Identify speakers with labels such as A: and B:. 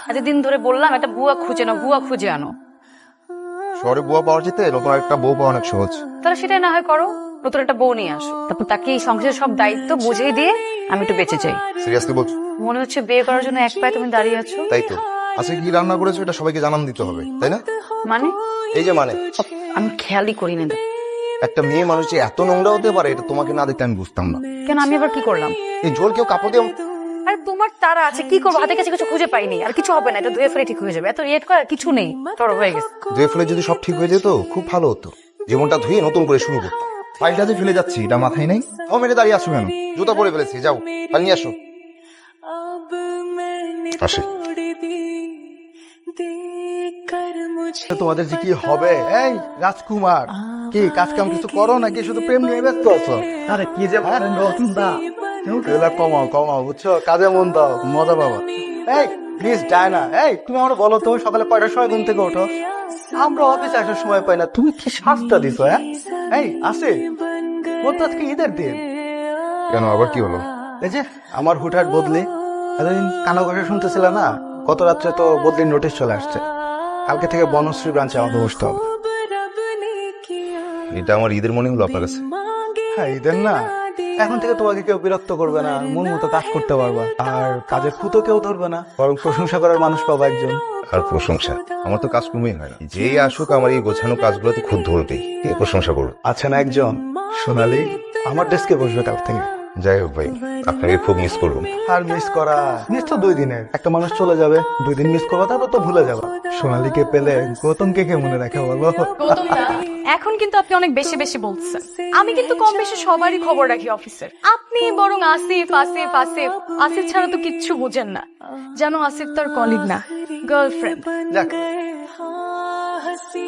A: এতদিন ধরে বললাম একটা বুয়া খুঁজে নাও, বুয়া খুঁজে আনো।
B: শহরে বুয়া পাওয়ার যেতে নতুন একটা বউ পাওয়া অনেক সহজ।
A: তাহলে সেটাই না হয় করো, নতুন একটা বউ নিয়ে আসো, তারপর তাকে এই সংসারের সব দায়িত্ব বুঝিয়ে দিয়ে আমি একটু বেঁচে যাই।
B: সিরিয়াসলি বলছো?
A: মনে হচ্ছে বিয়ে করার জন্য এক পায়ে তুমি দাঁড়িয়ে আছো।
B: তাই তো। আজকে কি রান্না করেছো এটা সবাইকে জানান দিতে হবে, তাই না?
A: মানে
B: এই যে মানে
A: আমি খেয়ালই করি না।
B: একটা মেয়ে মানুষ যে এত নোংরা হতে পারে এটা তোমাকে না দেখলে আমি বুঝতাম না।
A: কেন, আমি আবার কি করলাম?
B: এই ঝোল কেউ কাপড় দিয়ে
A: আরে তোমার তারা আছে, কি করবো? হাতের কাছে কিছু খুঁজে পাইনি, আর কিছু হবে না, এটা ধুয়ে ফেলে ঠিক হয়ে যাবে। এত রিয়েট করার কিছু নেই, তোর হয়ে গেছে।
B: ধুয়ে ফেলে যদি সব ঠিক হয়ে যেত খুব ভালো হতো। জীবনটা ধুয়ে নতুন করে শুরু করতো। ফাইলটা যে ফেলে যাচ্ছি এটা মাথায় নেই। ও মেরে দাঁড়িয়ে আসো কেন? জুতা পরে ফেলেছি, যাও ফাইল নিয়ে আসো। আসি।
C: তোমাদের যে কি হবে? এই রাজকুমার, কি কাজ কাম কিছু করো নাকি শুধু প্রেম নিয়ে ব্যস্ত আছো?
D: আরে কি যে বলেন রতন দা,
C: এগুলা কমাও কমাও, বুঝছো? কাজে মন দাও, মজা পাবা। এই প্লিজ ডায়না, এই তুমি আমার বলো তো সকালে কয়টার সময় ঘুম থেকে ওঠো? আমরা অফিসে আসার সময় পাই না, তুমি কি শাস্তা দিছো? হ্যাঁ এই আসে ওর তো আজকে ঈদের দিন।
B: কেন আবার কি হলো?
C: এই যে আমার হুটহাট বদলি, এতদিন কানা কথা শুনতেছিল না, গত রাত্রে তো বদলির নোটিশ চলে আসছে। কালকে থেকে বনশ্রী ব্রাঞ্চে আমাকে বসতে হবে।
B: এটা আমার ঈদের মনে হলো আপনার কাছে?
C: হ্যাঁ ঈদের না, এখন থেকে তোমাকে কেউ বিরক্ত করবে না, মন মতো কাজ করতে পারবা, আর কাজের খুঁতো কেউ ধরবে না, বরং প্রশংসা করার মানুষ পাবা একজন।
B: আর প্রশংসা? আমার তো কাজকর্মই হয় না। যেই আসুক আমার এই গোছানো কাজগুলোতে খুব ধরবেই, কে প্রশংসা করবে?
C: আছে না একজন, সোনালী, আমার ডেস্কে বসবে কাল থেকে।
B: যাই হোক ভাই, আপনাকে খুব মিস করবো।
C: আর মিস করা, মিস তো 2 দিনের। একটা মানুষ চলে যাবে, 2 দিন মিস করবা, তারপর তো ভুলে যাবা। সোনালীকে পেলে গৌতমকে কে মনে রাখে বলো?
A: এখন কিন্তু আপনি অনেক বেশি বেশি বলছেন। আমি কিন্তু কম বেশি সবারই খবর রাখি অফিসের। আপনি বরং আসিফ আসিফ আসিফ আসিফ ছাড়া তো কিচ্ছু বোঝেন না। জানো আসিফ তার কলিগ না, গার্লফ্রেন্ড।
C: যাক